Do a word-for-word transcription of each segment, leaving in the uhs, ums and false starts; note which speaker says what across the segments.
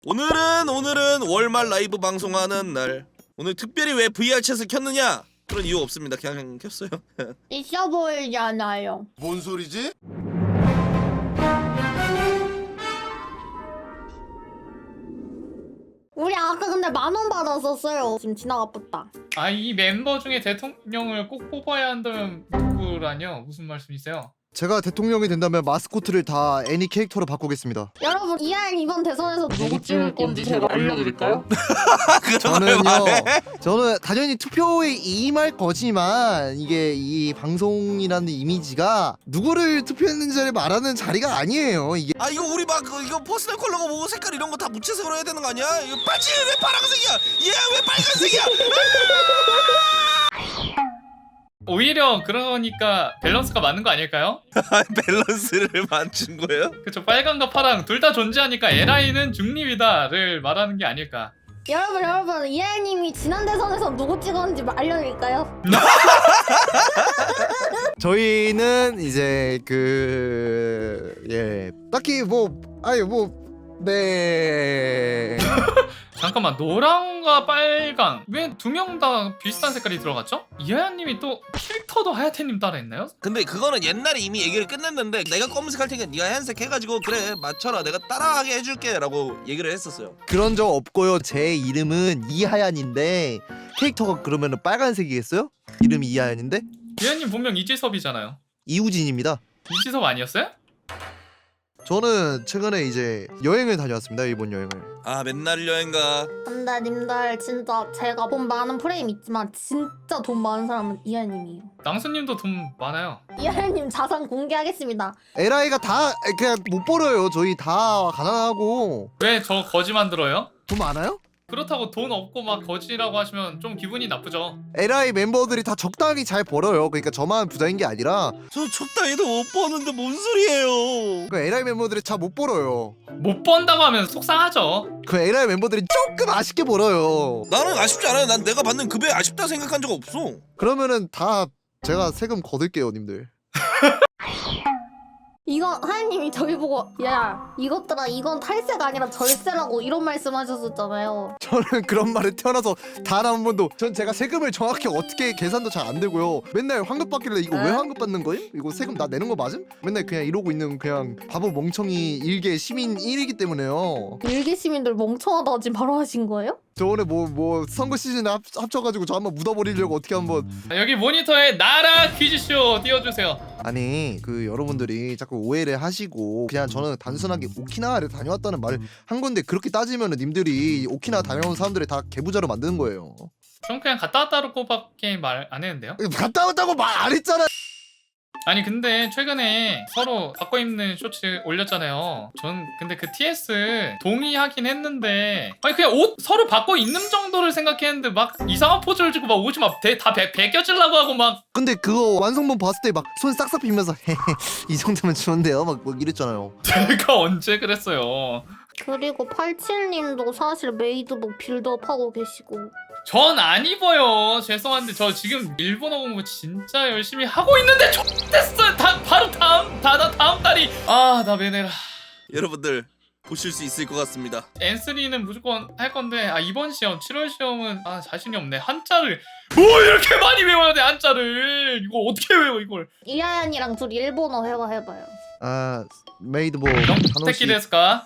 Speaker 1: 오늘은 오늘은 월말 라이브 방송하는 날. 오늘 특별히 왜 브이알챗을 켰느냐? 그런 이유 없습니다. 그냥 켰어요.
Speaker 2: 있어 보이잖아요.
Speaker 3: 뭔 소리지?
Speaker 2: 우리 아까 근데 만 원 받았었어요. 지금 지나가봤다.
Speaker 4: 아, 이 멤버 중에 대통령을 꼭 뽑아야 한다면 누구라뇨? 무슨 말씀이세요?
Speaker 5: 제가 대통령이 된다면 마스코트를 다 애니 캐릭터로 바꾸겠습니다.
Speaker 2: 여러분 이알 이번 대선에서 누구 찍을 건지 제가 알려드릴까요?
Speaker 5: 저는요, 저는 당연히 투표에 임할 거지만 이게 이 방송이라는 이미지가 누구를 투표했는지를 말하는 자리가 아니에요. 이게
Speaker 1: 아 이거 우리 막 그, 이거 퍼스널 컬러가 뭐 색깔 이런 거 다 무채색으로 해야 되는 거 아니야? 이거 바지 왜 파란색이야? 얘 왜 빨간색이야?
Speaker 4: 오히려 그러니까 밸런스가 맞는 거 아닐까요?
Speaker 1: 밸런스를 맞춘 거예요?
Speaker 4: 그쵸, 빨강과 파랑 둘 다 존재하니까 에라이는 중립이다를 말하는 게 아닐까.
Speaker 2: 여러분 여러분 이알님이 지난 대선에서 누구 찍었는지 알려드릴까요?
Speaker 5: 저희는 이제 그 예 딱히 뭐 아니 뭐네
Speaker 4: 잠깐만, 노랑과 빨강 왜 두 명 다 비슷한 색깔이 들어갔죠? 이하연님이 또 필터도 하야테님 따라 했나요?
Speaker 1: 근데 그거는 옛날에 이미 얘기를 끝냈는데 내가 검은색 할 테니까 네가 하얀색 해가지고 그래 맞춰라 내가 따라하게 해줄게 라고 얘기를 했었어요.
Speaker 5: 그런 적 없고요. 제 이름은 이하얀인데 캐릭터가 그러면은 빨간색이겠어요? 이름이 이하얀인데
Speaker 4: 이하연님 본명 이지섭이잖아요.
Speaker 5: 이우진입니다.
Speaker 4: 이지섭 아니었어요?
Speaker 5: 저는 최근에 이제 여행을 다녀왔습니다. 일본 여행을.
Speaker 1: 아 맨날 여행가.
Speaker 2: 근데 님들 진짜 제가 돈 많은 프레임 있지만 진짜 돈 많은 사람은 이알님이에요.
Speaker 4: 낭수님도 돈 많아요.
Speaker 2: 이알님 자산 공개하겠습니다.
Speaker 5: 에라이가 다 그냥 못 벌어요. 저희 다 가난하고.
Speaker 4: 왜 저 거지 만들어요?
Speaker 5: 돈 많아요?
Speaker 4: 그렇다고 돈 없고 막 거지라고 하시면 좀 기분이 나쁘죠.
Speaker 5: 에라이 멤버들이 다 적당히 잘 벌어요. 그러니까 저만 부자인 게 아니라
Speaker 1: 저 적당히도 못 버는데 뭔 소리예요?
Speaker 5: 그 에라이 멤버들이 잘 못 벌어요.
Speaker 4: 못 번다고 하면 속상하죠.
Speaker 5: 그 에라이 멤버들이 조금 아쉽게 벌어요.
Speaker 1: 나는 아쉽지 않아요. 난 내가 받는 급여 아쉽다 생각한 적 없어.
Speaker 5: 그러면은 다 제가 세금 거둘게요, 님들.
Speaker 2: 이거 하연님이 저희 보고 야 이것들아 이건 탈세가 아니라 절세라고 이런 말씀하셨었잖아요.
Speaker 5: 저는 그런 말을 태어나서 단 한 번도 전 제가 세금을 정확히 어떻게 계산도 잘 안 되고요. 맨날 환급 받길래 이거 왜
Speaker 2: 에?
Speaker 5: 환급 받는 거임? 이거 세금 나 내는 거 맞음? 맨날 그냥 이러고 있는 그냥 바보 멍청이 일개 시민 일이기 때문에요.
Speaker 2: 일개 시민들 멍청하다 지금 바로 하신 거예요?
Speaker 5: 저 오늘 뭐 뭐 선거 시즌에 합, 합쳐가지고 저 한번 묻어버리려고 어떻게 한번
Speaker 4: 여기 모니터에 나라 퀴즈쇼 띄워주세요.
Speaker 5: 아니 그 여러분들이 자꾸 오해를 하시고 그냥 저는 단순하게 오키나와를 다녀왔다는 말을 한 건데 그렇게 따지면은 님들이 오키나와 다녀온 사람들을 다 개부자로 만드는 거예요.
Speaker 4: 전 그냥 갔다 왔다고밖에 말 안 했는데요.
Speaker 5: 갔다 왔다고 말 안 했잖아.
Speaker 4: 아니 근데 최근에 서로 바꿔 입는 쇼츠 올렸잖아요. 전 근데 그 티에스 동의하긴 했는데 아니 그냥 옷 서로 바꿔 입는 정도를 생각했는데 막 이상한 포즈를 주고 막 옷이 막다 벗겨지려고 하고 막
Speaker 5: 근데 그거 완성본 봤을 때 막 손 싹싹 비면서 이 정도면 좋은데요 막, 막 이랬잖아요.
Speaker 4: 제가 언제 그랬어요.
Speaker 2: 그리고 팔십칠님도 사실 메이드복 빌드업 하고 계시고
Speaker 4: 전 안 입어요. 죄송한데 저 지금 일본어 공부 진짜 열심히 하고 있는데 X됐어요. 다 바로 다음 다, 다 다음 달이 아 나 매내라.
Speaker 1: 여러분들 보실 수 있을 것 같습니다.
Speaker 4: 엔쓰리는 무조건 할 건데 아 이번 시험 칠월 시험은 아 자신이 없네. 한자를 뭐 이렇게 많이 외워야 돼 한자를. 이거 어떻게 외워 이걸.
Speaker 2: 이하연이랑 둘이 일본어 회화 해봐요.
Speaker 5: 아 메이드복
Speaker 4: 택기
Speaker 5: 단호씨
Speaker 4: 데스까?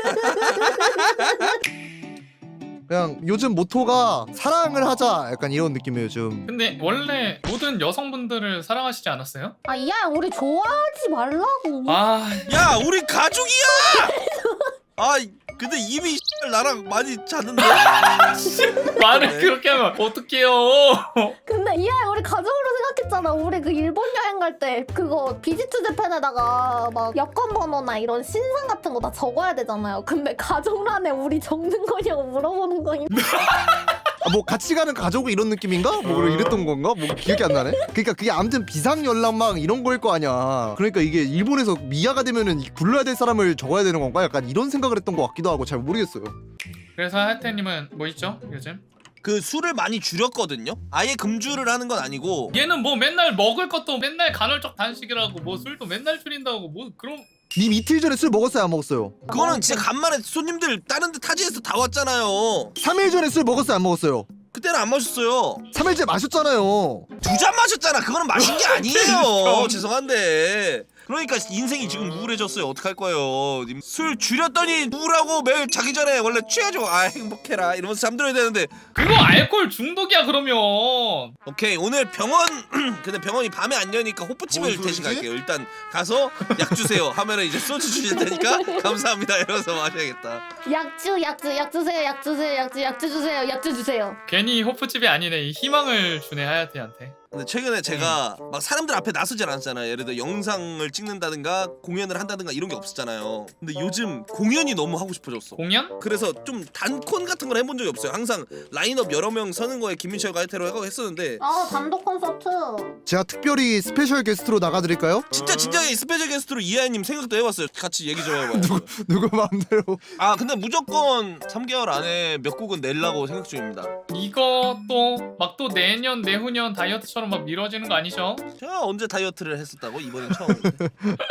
Speaker 5: 그냥 요즘 모토가 사랑을 하자 약간 이런 느낌이에요 요즘.
Speaker 4: 근데 원래 모든 여성분들을 사랑하시지 않았어요?
Speaker 2: 아 이하연 우리 좋아하지 말라고.
Speaker 4: 아
Speaker 1: 야 우리 가족이야. 아 근데 이미 나랑 많이 잤는데.
Speaker 4: 말을
Speaker 1: 네.
Speaker 4: 그렇게 하면 어떡해요.
Speaker 2: 근데 이하연 우리 가족으로 생각했잖아. 우리 그 일본 여행 갈 때 그거 비지트 재팬에다가 막 여권 번호나 이런 신상 같은 거 다 적어야 되잖아요. 근데 가족란에 우리 적는 거냐고 물어보는 거니.
Speaker 5: 아, 뭐 같이 가는 가족은 이런 느낌인가? 뭐 이랬던 건가? 뭐 기억이 안 나네. 그러니까 그게 아무튼 비상 연락망 이런 거일 거 아니야. 그러니까 이게 일본에서 미아가 되면은 불러야 될 사람을 적어야 되는 건가? 약간 이런 생각을 했던 것 같기도 하고 잘 모르겠어요.
Speaker 4: 그래서 하태님은 뭐 있죠 요즘?
Speaker 1: 그 술을 많이 줄였거든요. 아예 금주를 하는 건 아니고.
Speaker 4: 얘는 뭐 맨날 먹을 것도 맨날 간헐적 단식이라고 뭐 술도 맨날 줄인다고 뭐 그럼
Speaker 5: 님 이틀 전에 술 먹었어요 안 먹었어요?
Speaker 1: 그거는 진짜 간만에 손님들 다른 데 타지에서 다 왔잖아요.
Speaker 5: 삼 일 전에 술 먹었어요 안 먹었어요?
Speaker 1: 그때는 안 마셨어요.
Speaker 5: 삼 일째 마셨잖아요.
Speaker 1: 두 잔 마셨잖아. 그거는 마신 게 아니에요. 죄송한데. 그러니까 인생이 지금 우울해졌어요. 어떡할 거예요. 님 술 줄였더니 우울하고 매일 자기 전에 원래 취해줘. 아 행복해라 이러면서 잠들어야 되는데.
Speaker 4: 그거 알코올 중독이야 그러면.
Speaker 1: 오케이 오늘 병원 근데 병원이 밤에 안 여니까 호프집을 대신 갈게요. 일단 가서 약 주세요 하면은 이제 소주 주실 테니까 감사합니다 이러면서 마셔야겠다.
Speaker 2: 약주 약주 약 주세요 약 주세요 약주 약주 주세요 약주 주세요.
Speaker 4: 괜히 호프집이 아니네. 이 희망을 주네 하야테한테.
Speaker 1: 근데 최근에 제가 막 사람들 앞에 나서질 않았잖아요. 예를 들어 영상을 찍는다든가 공연을 한다든가 이런 게 없었잖아요. 근데 요즘 공연이 너무 하고 싶어졌어.
Speaker 4: 공연?
Speaker 1: 그래서 좀 단콘 같은 걸 해본 적이 없어요. 항상 라인업 여러 명 서는 거에 김민철과 하이테로 하고 했었는데
Speaker 2: 아 단독 콘서트.
Speaker 5: 제가 특별히 스페셜 게스트로 나가드릴까요?
Speaker 1: 진짜 진작에 스페셜 게스트로 이하연님 생각도 해봤어요. 같이 얘기 좀 해봐요.
Speaker 5: 누구 누구 마음대로.
Speaker 1: 아 근데 무조건 삼 개월 안에 몇 곡은 내려고 생각 중입니다.
Speaker 4: 이것도 막 또 내년 내후년 다이어트처럼 막 미뤄지는 거 아니죠?
Speaker 1: 제가 언제 다이어트를 했었다고? 이번엔 처음인데.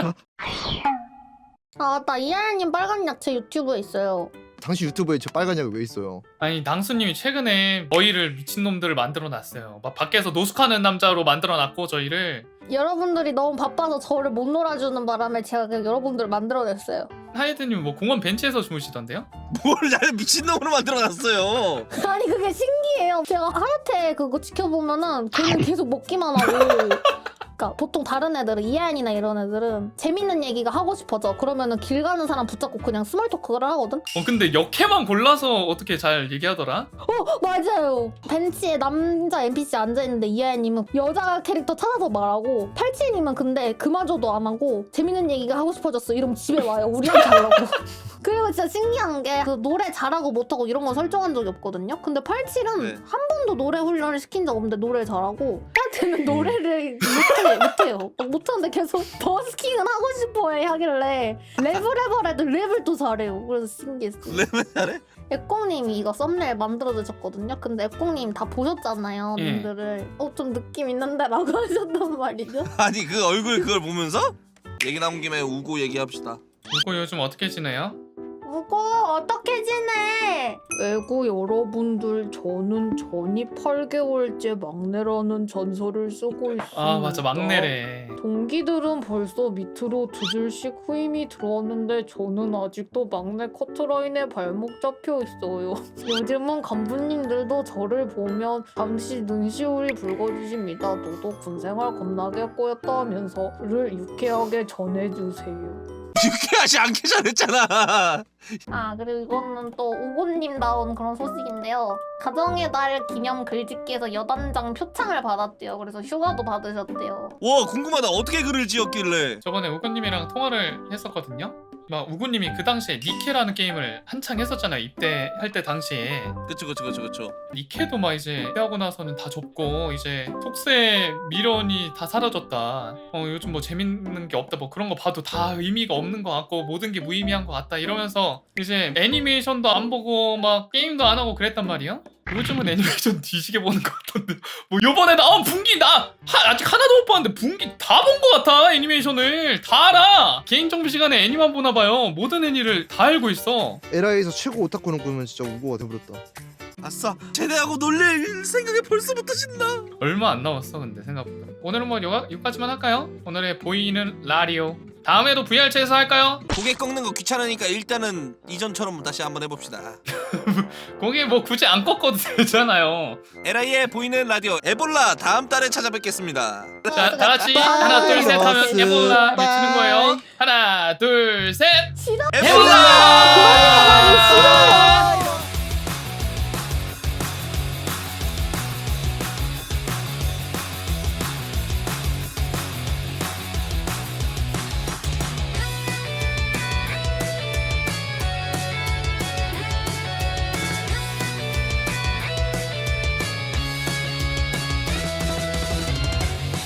Speaker 2: 아나 이하연님 빨간 약체 유튜브에 있어요.
Speaker 5: 당신 유튜브에 저 빨간 약이 왜 있어요?
Speaker 4: 아니 낭수님이 최근에 저희를 미친놈들을 만들어놨어요. 막 밖에서 노숙하는 남자로 만들어놨고 저희를.
Speaker 2: 여러분들이 너무 바빠서 저를 못 놀아주는 바람에 제가 그냥 여러분들을 만들어냈어요.
Speaker 4: 하이드님 뭐 공원 벤치에서 주무시던데요?
Speaker 1: 뭘 나를 미친놈으로 만들어놨어요.
Speaker 2: 아니 그게 신기해요. 제가 하여태 그거 지켜보면은 걔는 계속 먹기만 하고. 그러니까 보통 다른 애들은 이하연이나 이런 애들은 재밌는 얘기가 하고 싶어져. 그러면은 길 가는 사람 붙잡고 그냥 스몰 토크를 하거든.
Speaker 4: 어 근데 역해만 골라서 어떻게 잘 얘기하더라?
Speaker 2: 어 맞아요. 벤치에 남자 엔피씨 앉아있는데 이하연님은 여자 캐릭터 찾아서 말하고 팔칠님은 근데 그마저도 안 하고 재밌는 얘기가 하고 싶어졌어 이러면 집에 와요. 우리한테 하려고. 그리고 진짜 신기한 게 그 노래 잘하고 못하고 이런 건 설정한 적이 없거든요. 근데 팔칠은
Speaker 1: 네.
Speaker 2: 한 번도 노래 훈련을 시킨 적 없는데 노래 잘하고 하여튼 노래를 못해, 못해요. 못하는데 계속 버스킹은 하고 싶어해 하길래 랩을 해버려도 랩을 또 잘해요. 그래서 신기했어요.
Speaker 1: 랩을 잘해?
Speaker 2: 앱공님이 이거 썸네일 만들어주셨거든요. 근데 앱공님 다 보셨잖아요.
Speaker 4: 예.
Speaker 2: 님들을. 어 좀 느낌 있는데 라고 하셨단 말이죠.
Speaker 1: 아니 그 얼굴 그걸 보면서 얘기 나온 김에 우고 얘기합시다.
Speaker 4: 그거 요즘 어떻게 지내요?
Speaker 2: 무고 어떻게 지내? 애구 여러분들 저는 전이 팔 개월째 막내라는 전설을 쓰고 있습니다.
Speaker 4: 아 맞아 막내래.
Speaker 2: 동기들은 벌써 밑으로 두 줄씩 후임이 들어왔는데 저는 아직도 막내 커트라인에 발목 잡혀 있어요. 요즘은 간부님들도 저를 보면 잠시 눈시울이 붉어지십니다. 너도 군생활 겁나게 꼬였다면서를 유쾌하게 전해주세요.
Speaker 1: 유쾌하지 않게 잘했잖아.
Speaker 2: 아 그리고 이거는 또 우고님 나온 그런 소식인데요. 가정의 달 기념 글짓기에서 여단장 표창을 받았대요. 그래서 휴가도 받으셨대요.
Speaker 1: 와 궁금하다. 어떻게 글을 지었길래.
Speaker 4: 저번에 우구님이랑 통화를 했었거든요. 막 우구님이 그 당시에 니케라는 게임을 한창 했었잖아요. 입대할 때 당시에.
Speaker 1: 그쵸 그쵸 그쵸 그쵸.
Speaker 4: 니케도 막 이제 입대하고 나서는 다 접고 이제 톡스의 미련이 다 사라졌다. 어 요즘 뭐 재밌는 게 없다. 뭐 그런 거 봐도 다 의미가 없는 것 같고 모든 게 무의미한 것 같다. 이러면서 이제 애니메이션도 안 보고 막 게임도 안 하고 그랬단 말이야. 요즘은 애니메이션 뒤지게 보는 것 같던데 뭐 요번에 나온 분기 나 하, 아직 하나도 못 봤는데 분기 다 본 것 같아. 애니메이션을 다 알아. 개인정보 시간에 애니만 보나봐요. 모든 애니를 다 알고 있어.
Speaker 5: 에라이에서 최고 오타쿠는 그러면 진짜 우고가 돼버렸다.
Speaker 1: 아싸 제대하고 놀릴 생각에 벌써부터 신나.
Speaker 4: 얼마 안 남았어 근데 생각보다. 오늘은 뭐 요, 여기까지만 할까요? 오늘의 보이는 라디오 다음에도 브이알체에서 할까요?
Speaker 1: 고개 꺾는 거 귀찮으니까 일단은 이전처럼 다시 한번 해봅시다.
Speaker 4: 거기 뭐 굳이 안 꺾어도 되잖아요.
Speaker 1: 에라이의 보이는 라디오 에볼라 다음 달에 찾아뵙겠습니다.
Speaker 4: 자 다같이 하나 둘 셋 하면 에볼라 외치는 거예요. 하나 둘 셋
Speaker 2: 싫어.
Speaker 1: 에볼라!